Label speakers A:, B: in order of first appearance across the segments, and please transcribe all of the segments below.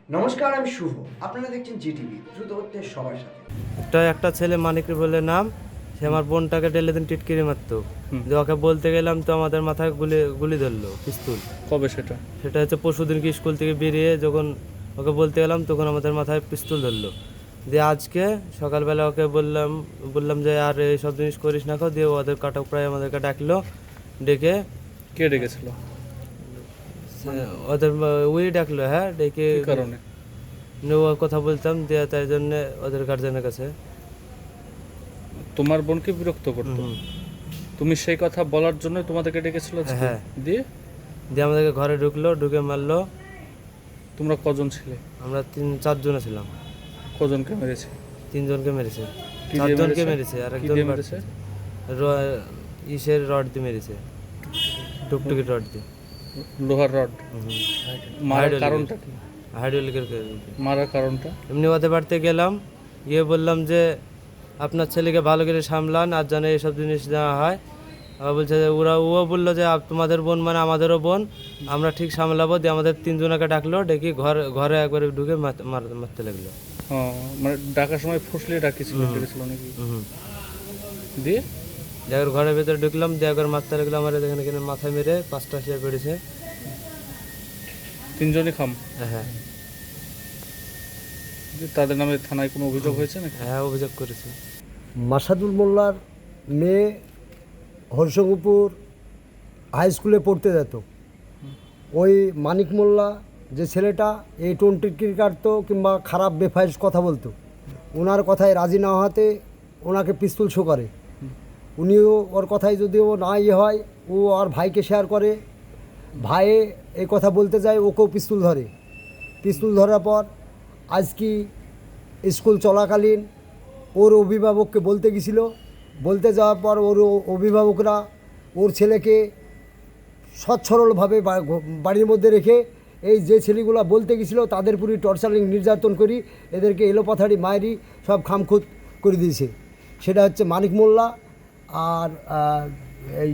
A: নমস্কার, আমি শুভ। আপনারা দেখছেন জিটিভি, দ্রুত হচ্ছে সবার সাথে।
B: একটা ছেলে মানিক বলে নাম, সে আমার বোনটাকে ঢেলে দিন টিটকিরি মারতো। যে ওকে বলতে গেলাম তো আমাদের মাথায় গুলি গুলি ধরলো পিস্তল।
C: কবে সেটা?
B: সেটা হচ্ছে পরশুদিন কি স্কুল থেকে বেরিয়ে যখন ওকে বলতে গেলাম তখন আমাদের মাথায় পিস্তল ধরলো। দিয়ে আজকে সকালবেলা ওকে বললাম যে আর এইসব জিনিস করিস না। দিয়ে ওদের কাটক প্রায় আমাদেরকে ডাকলো, ডেকে
C: কে ডেকেছিল?
B: ওদের ওই ডাকলো, হ্যাঁ ডেকে
C: কি কারণে?
B: কথা বলতাম দিয়ে তাই জন্য ওদের গার্জেনের কাছে।
C: তোমার বোনকে বিরক্ত করতো? তুমি সেই কথা বলার জন্য তোমাদেরকে ডেকেছিল আজকে?
B: হ্যাঁ।
C: দিয়ে
B: আমাদেরকে ঘরে ঢুকে মারলো।
C: তোমরা কজন ছিলে?
B: আমরা 4জনে ছিলাম।
C: কজনকে মেরেছে?
B: 3জনকে মেরেছে।
C: কি দিয়ে
B: 4জনকে মেরেছে আর
C: কি
B: একজন
C: দিয়ে মেরেছে?
B: ইসের রড দিয়ে মেরেছে, টুকটুকি রড দিয়ে।
C: লোহার রড? মারার কারণটা কি?
B: হাইড্রোলিকের।
C: মারার কারণটা?
B: এমনি ওদের বাড়িতে গেলাম, গিয়ে বললাম যে আপনার ছেলেকে ভালো করে সামলান আর যেন এইসব জিনিস দেওয়া হয়। আবার বলছে যে ও বললো যে তোমাদের বোন মানে আমাদেরও বোন, আমরা ঠিক সামলাবো। দিয়ে আমাদের 3জনকে ডাকলো, ডেকে ঘরে একবারে ঢুকে মারতে লাগলো।
C: মানে ডাকার সময় ফুসলে ডেকেছিল নাকি? দিয়ে
B: একবার ঘরের ভেতরে ঢুকলাম, দিয়ে একবার মারতে লাগলো। আমার এখানে মাথায় মেরে 5টা শিয়া পেড়েছে।
C: 3জনই খাম?
B: হ্যাঁ।
C: তাদের নামে থানায় কোনো অভিযোগ হয়েছে নাকি?
B: হ্যাঁ, অভিযোগ করেছে।
D: মাসাদুল মোল্লার মেয়ে হরিশঙ্করপুর হাই স্কুলে পড়তে যেত। ওই মানিক মোল্লা যে ছেলেটা এই টিটকিরি কাটতো কিংবা খারাপ বেফাইস কথা বলতো, ওনার কথায় রাজি না হওয়াতে ওনাকে পিস্তল শো করে। উনিও ওর কথায় যদিও না হয়, ও আর ভাইকে শেয়ার করে। ভাইয়ে এই কথা বলতে যায়, ওকেও পিস্তল ধরে। পিস্তল ধরার পর আজকে স্কুল চলাকালীন ওর অভিভাবককে বলতে গেছিলো। বলতে যাওয়ার পর ওর অভিভাবকরা ওর ছেলেকে সচ্ছরলভাবে বাড়ির মধ্যে রেখে এই যে ছেলেগুলো বলতে গেছিলো তাদের পুরো টর্চারিং নির্যাতন করি, এদেরকে এলোপাথারি মায়েরি সব খামখুত করে দিয়েছে। সেটা হচ্ছে মানিক মোল্লা আর এই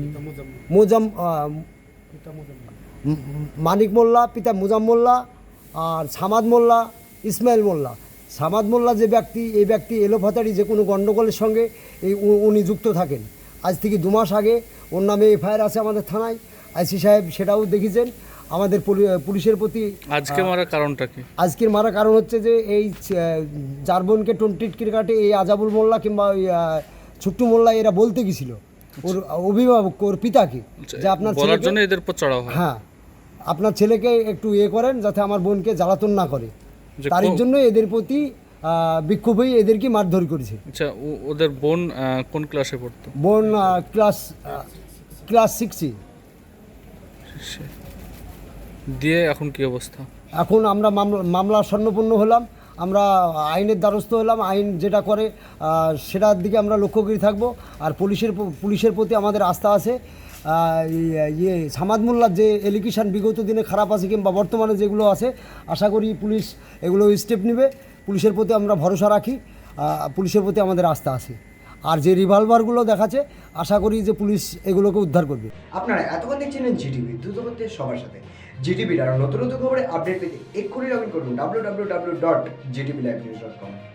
D: মানিক মোল্লা, পিতা মুজাম মোল্লা, আর সামাদ মোল্লা, ইসমাইল মোল্লা। সামাদ মোল্লা যে ব্যক্তি, এই ব্যক্তি এলোপাথারি যে কোনো গণ্ডগোলের সঙ্গে উনি যুক্ত থাকেন। আজ থেকে 2 মাস আগে ওর নামে এফআইআর আছে আমাদের থানায়। আইসি সাহেব সেটাও দেখেছেন। আমাদের পুলিশের প্রতি
C: আজকে মারার কারণটা কি?
D: আজকের মারার কারণ হচ্ছে যে এই যার বোনকে টিটকিরি কাটে এই আজাবুল মোল্লা কিংবা ওই ছুট্টু মোল্লা এরা বলতে গেছিল ওর অভিভাবক, ওর পিতাকে, যে আপনার
C: বলার জন্য এদের উপর চড়াও হয়।
D: হ্যাঁ, আপনার ছেলেকে একটু করেন যাতে আমার বোনকে জ্বালাতন না করে। তার জন্য এদের প্রতি বিক্ষোভ হয়ে এদেরকে মারধর করেছে।
C: আচ্ছা, ওদের বোন কোন ক্লাসে পড়তো?
D: বোন ক্লাস 6-এ।
C: দিয়ে এখন কি অবস্থা?
D: এখন আমরা মামলা স্বর্ণপূর্ণ হলাম, আমরা আইনের দ্বারস্থ হলাম। আইন যেটা করে সেটার দিকে আমরা লক্ষ্য করে থাকবো। আর পুলিশের প্রতি আমাদের আস্থা আছে। সামাদ মোল্লার যে এলিগেশন বিগত দিনে খারাপ আছে কিংবা বর্তমানে যেগুলো আছে, আশা করি পুলিশ এগুলো স্টেপ নেবে। পুলিশের প্রতি আমরা ভরসা রাখি, পুলিশের প্রতি আমাদের আস্থা আছে। আর যে রিভলভারগুলো দেখাচ্ছে, আশা করি যে পুলিশ এগুলোকে উদ্ধার করবে।
A: আপনারা এতক্ষণ দেখছিলেন জিটিভি, দ্রুত হচ্ছে সবার সাথে। জিটিভির আরও নতুন নতুন খবরে আপডেট পেতে এক্ষুনি লগ ইন করুন www.gtblivenews.com।